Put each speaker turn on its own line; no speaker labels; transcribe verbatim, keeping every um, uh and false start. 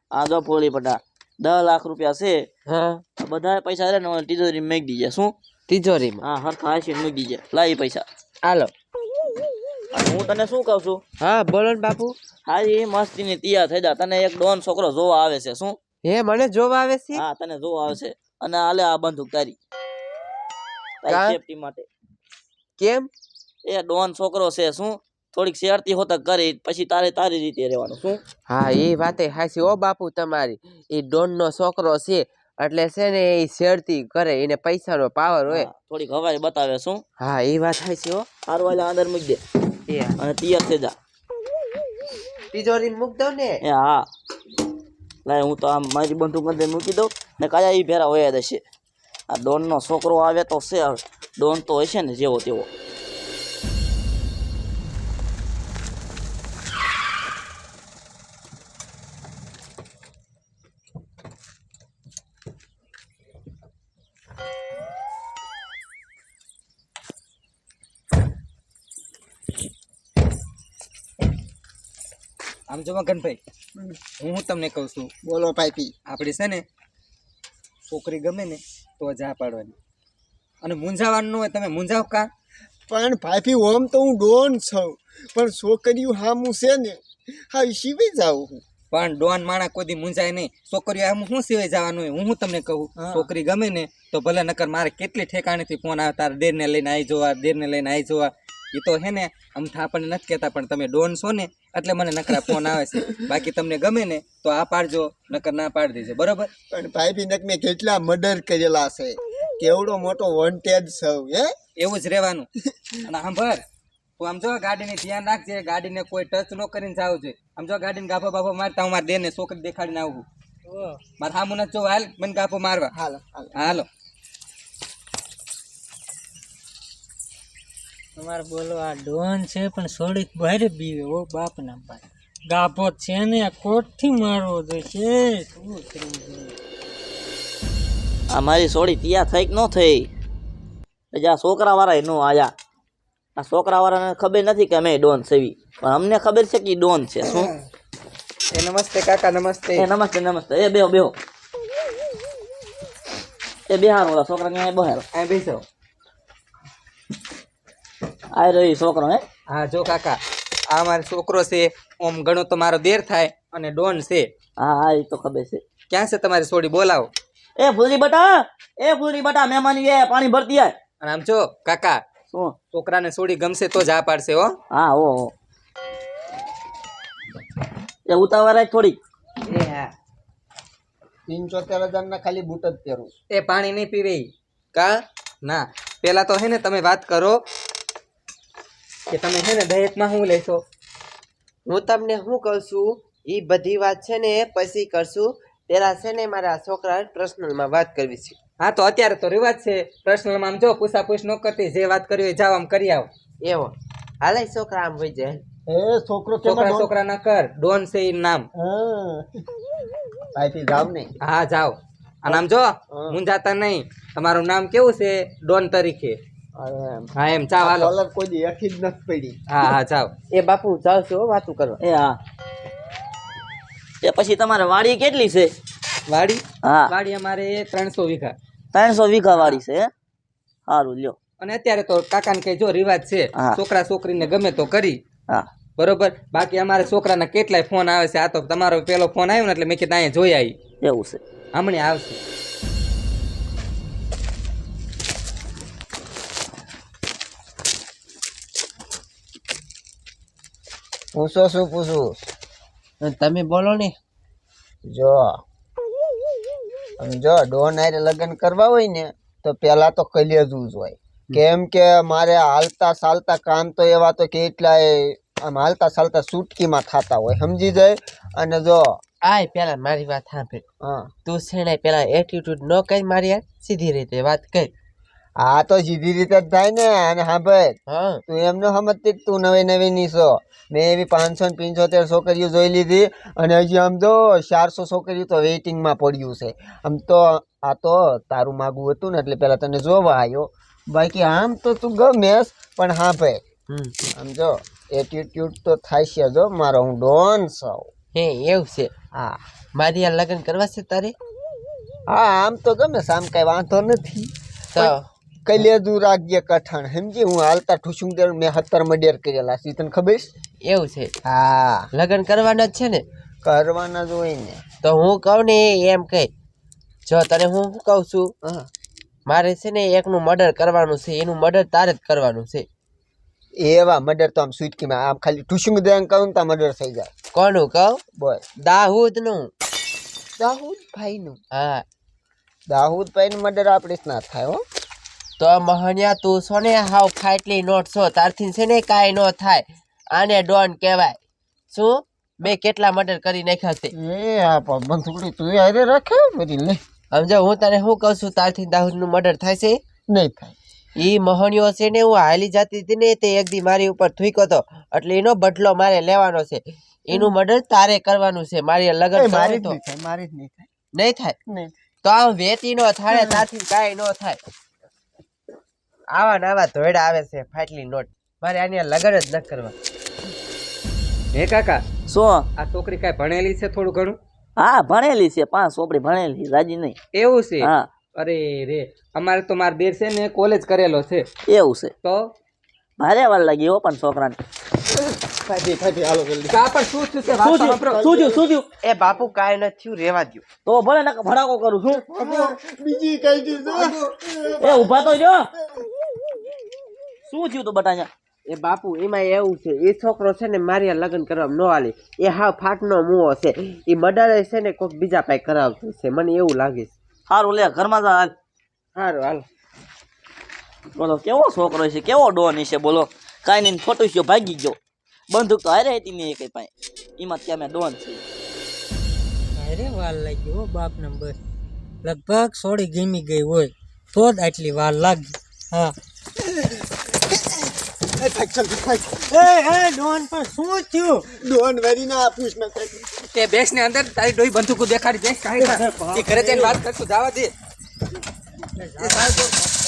આ જો પોલી પટા દસ લાખ રૂપિયા છે
હા
બધા પૈસા રે ને તિજોરી મેક દીજે શું
તિજોરીમાં
હા હરખા હાસી મેક દીજે લાઈ પૈસા
હાલો
અને હું તને શું કહું છું
હા બોલો ને બાપુ
હારી મસ્તી ની તૈયાર થઈ જા તને એક ડોન છોકરો જોવા આવે છે શું
હે મને જોવા આવે છે
હા તને જોવા આવે છે અને આલે આ બંદૂક તારી તારી
કા?
સેફટી માટે
કેમ
એ ડોન છોકરો છે શું થોડીક શેરતી હોતા કરી પછી તારે તારી રીતે રહેવાનું શું
હા એ વાતે હાચી ઓ બાપુ તમારી એ ડોન નો છોકરો છે એટલે છે ને એ શેરતી કરે એને પૈસાનો પાવર હોય
હા, થોડીક હવાઈ બતાવે શું
હા એ વાત હાચી હો
હારું વાલા અંદર મૂકી દે
એ
અને તૈયાર થઈ જા
તિજોરી મૂક દઉં ને
એ હા લાય હું તો આમ મારી બંદૂક અંદર મૂકી દઉં ને કયા ઈ ભેરા વયા દેશે આ ડોન નો છોકરો આવે તો છે ડોન તો હશે ને જેવો તેવો
આમ જો મગનભાઈ હું હું તમને કહું છું
બોલો પાઈપી
આપણે છે ને છોકરી ગમે ને તો જા પાડવાની અને મૂંઝાવાનું ન હોય તમે મૂંઝાવ કા
પણ પાઈપી ઓમ તો હું ડોન છું પણ છોકરીઓ હામું છે ને હા શીવી જાઉં હું
પણ ડોન માણા કોઈ દી મૂંઝાય નહીં છોકરીઓ આમ શું સિવાય જવાનું હોય હું હું તમને કહું
હા.
છોકરી ગમે ને તો ભલે નકર મારે કેટલી ઠેકાણેથી ફોન આવે તારે દેરને લઈને આવી જોવા દેરને લઈને આવી જોવા એ તો હે ને આમ તો આપણને નથી કહેતા પણ તમે ડોન છો ને એટલે મને નકરા ફોન આવે છે બાકી તમને ગમે ને તો આ પાડજો નકર ના પાડી દેજો બરોબર
પણ પાઈપી નક મેં કેટલા મર્ડર કરેલા છે કેવડો મોટો વોન્ટેડ છું હે
એવું જ રહેવાનું અને સાંભળ તું આમ જો ગાડીને ધ્યાન રાખજે ગાડીને કોઈ ટચ ન કરીને જાવ જોઈએ આમ જો ગાડીને ગાફો બાફો મારતા હું મારા દેરને છોકરી દેખાડીને આવું મારે સામું નથી જો હાલ મને ગાફો મારવા
હાલો હાલો
હાલો
તમારે બોલો આ ડોન છે પણ સોડી બહાર બીવે ઓ બાપ ના ભાઈ ગાભો છે ને કોટથી મારવો જોઈશે શું કરવું જોઈએ?
આ મારી સોડી તૈયાર થઈ કે ન થઈ હજી આ છોકરા વાળા નો આયા આ છોકરા વાળાને ખબર નથી કે અમે ડોન સેવી પણ અમને ખબર છે કે ઈ ડોન છે શું
એ નમસ્તે કાકા નમસ્તે
એ નમસ્તે નમસ્તે એ બેહો બેહો એ બેહારો ઓલા છોકરા ને બહાર
આ બેસો
આ રહ્યો ઈ છોકરો હે
હા જો કાકા આ મારો છોકરો છે ઓમ ઘણો તો મારો દેર થાય અને ડોન છે
હા હા એ તો ખબર છે
ક્યાં છે તમારી સોડી બોલાવો
એ ફૂલરી બટા એ ફૂલરી બટા મહેમાની એ પાણી ભરતી આય
અને આમ જો કાકા
શું
છોકરાને સોડી ગમશે તો જ આ પાડશે હો
હા ઓ ઓ. એ ઉતાવળ થોડી
એ હા
પંચોતેર હજાર ના ખાલી બૂટ જ પહેરું
એ પાણી નહીં પીવે ઈ. કા ના પેલા તો હે ને તમે વાત કરો કે તમે હે ને દહેજમાં શું લેશો
હું તમને શું કહું છું એ બધી વાત છે ને પછી કરશું પેલા છે ને મારા છોકરા પર્સનલમાં વાત કરવી છે
હા તો અત્યારે તો રિવાજ છે પર્સનલમાં આમ જો પૂછાપૂછ ન કરતી જે વાત કરવી હોય જાવ આમ કરી આવો
એવો હાલે છોકરા આમ હોય જાય
એ છોકરો
છોકરા છોકરા ના કર ડોન છે ઈ નામ
હા પાઈપી જાવ ને
હા જાઓ અને આમ જો મુંજાતા નહીં તમારું નામ કેવું છે ડોન તરીકે હા એમ ચાવ હાલો
કલર કોઈ દી એઠી જ નથી પડી
હા હા જાઓ
એ બાપુ જાવ છો વાતું કરવા
એ હા એ પછી તમારે વાડી કેટલી છે
વાડી
હા
વાડી અમારે ત્રણસો વીઘા
ત્રણસો વીઘા વાડી છે હે? સારું લ્યો
અને અત્યારે તો કાકાને કઈ જો રિવાજ છે
હા.
છોકરા છોકરીને ગમે તો કરી
હા
બરોબર બાકી અમારે છોકરાના કેટલાય ફોન આવે છે આ તો તમારો પેલો ફોન આવ્યો ને એટલે મેં કીધું અહીંયા જોઈ આવી
એવું છે
હમણાં આવશે
પૂછો શું પૂછું
તમે બોલો ને
જો આમ જો ડોન હારે લગ્ન કરવા હોય ને તો પેલા તો કલેજું જ હોય કેમ કે મારે હાલતા ચાલતા કામ તો એવા તો કેટલાય આમ હાલતા ચાલતા સુટકીમાં થતા હોય સમજી જાય અને જો
આય પેલા મારી વાત સાંભળ
હા
તું છે ને પેલા એટીટ્યુડ ન કઈ મારી યાર સીધી રીતે વાત કર
આ તો સીધી રીતે જ થાય ને અને હા ભાઈ
હા
તું એમ ન સમજતી કે તું નવી નવી નીસો મેં એવી પાંચસો ને પંચોતેર છોકરીઓ જોઈ લીધી અને હજી આમ જો ચારસો છોકરીઓ તો વેઇટિંગમાં પડ્યું છે આમ તો આ તો તારું માગવું હતું ને એટલે પેલા તને જોવા આવ્યો બાકી આમ તો તું ગમેશ પણ હા ભાઈ
હમ
આમ જો એટીટ્યુડ તો થાય છે જો મારો હું ડોન છું
હે એવું છે
હા
મારી આ લગ્ન કરવા છે તારે?
હા આમ તો ગમે છે, આમ કઈ વાંધો નથી.
તો
કલેજુ રાખજે કઠણ સમજી. હું હાલતા ઠુસુંગ દેર મેં સત્તર મર્ડર કરેલા છે, તને ખબર છે?
એવું છે,
હા
લગ્ન કરવાના જ છે ને?
કરવાના જ હોય ને.
તો હું કહું ને એમ કહે. જો તને હું શું કહું છું,
હા
મારે છે ને એકનું મર્ડર કરવાનું છે, એનું મર્ડર તારે જ કરવાનું છે.
એવા મર્ડર તો આમ સુટકીમાં આમ ખાલી ઠુસુંગ દેર કહું તો મર્ડર થઈ જાય.
કોનું કહું?
બોલ.
દાઉદ નું.
દાઉદ ભાઈ નું?
હા.
દાઉદ ભાઈ નું મર્ડર આપણે જ ના થાય હો.
તો મહણિયા તું છો ને હાવ ફાટલી નોટ છો, તારથી છે ને કાંઈ ન થાય. આને ડોન કહેવાય. શું મેં કેટલા મર્ડર કરી નાખ્યા છે.
એ આ બંધુકડી તું હારે રાખે બધી લે.
સમજો હું તને શું કહું છું, તારથી દાઉદ નું મર્ડર થાય છે?
નહીં થાય.
ઈ મહણિયો છે ને હું હાલી જતી હતી ને તે એક દી મારી ઉપર થૂક્યો હતો, એટલે એનો બદલો મારે લેવાનો છે. એનું મર્ડર તારે કરવાનું છે. મારી લગન
મારી જ
તો
નહીં થાય, મારી જ નહીં થાય.
નહીં થાય.
નહીં.
તો આમ વેતી નો થાય, તારથી કાંઈ ન થાય. આવા ને આવા ધોયડા આવે છે ફાટલી નોટ. મારે આની લગન જ ન કરવા.
હે કાકા,
શું?
આ છોકરી કાંઈ ભણેલી છે થોડું ઘણું?
હા ભણેલી છે, પાંચ ચોપડી ભણેલી, રાજી નહીં.
એવું છે?
હા
અરે રે, અમારે તો માર બેર છે ને કોલેજ કરેલો છે.
એવું છે.
તો
ભારે વાર લાગી હો પણ છોકરાને.
ફાટી ફાટી હાલો જલ્દી.
કા પણ શું થયું છે? વાત તો સાંભળો.
શું થયું શું થયું?
એ બાપુ કાંઈ ન થયું, રેવા દ્યો.
તો ભલે નકર ભડાકો કરું છું.
બીજી કઈ દીધું.
એ ઊભા તો જો. શું થયું તું બટાયા?
એ બાપુ એમાં એવું છે, એ છોકરો છે ને મારી લગ્ન કરવા ન આલી, એ હાવ ફાટનો મુઓ છે. એ મર્ડર છે ને કોઈક બીજા પાસે કરાવતું છે, મને એવું લાગે છે.
સારું લે ઘરમાં જા હાલ.
સારું હાલો.
બોલો કેવો છોકરો છે, કેવો ડોન છે બોલો. કાંઈ નહીં ફોટો છે ભાગી ગયો. બંદૂક તો હારે હતી ને કઈ પાસે. એમાં ત્યાં મેં ડોન છે.
અરે વાર લાગી હો બાપ ને બસ લગભગ સોળી ગમી ગઈ હોય તો જ આટલી વાર લાગી. હા
એ ફાઈટ ચાલ ફાઈટ.
એ એ ડોન પણ શું થયું?
ડોન વેરી ના પૂછ ના થાય.
તે બેસ ને અંદર તારી ડોઈ બંદૂકો દેખાડી દે. કાંઈ એ ઘરે જઈને વાત કરશું, જવા દે. એ સાહેબ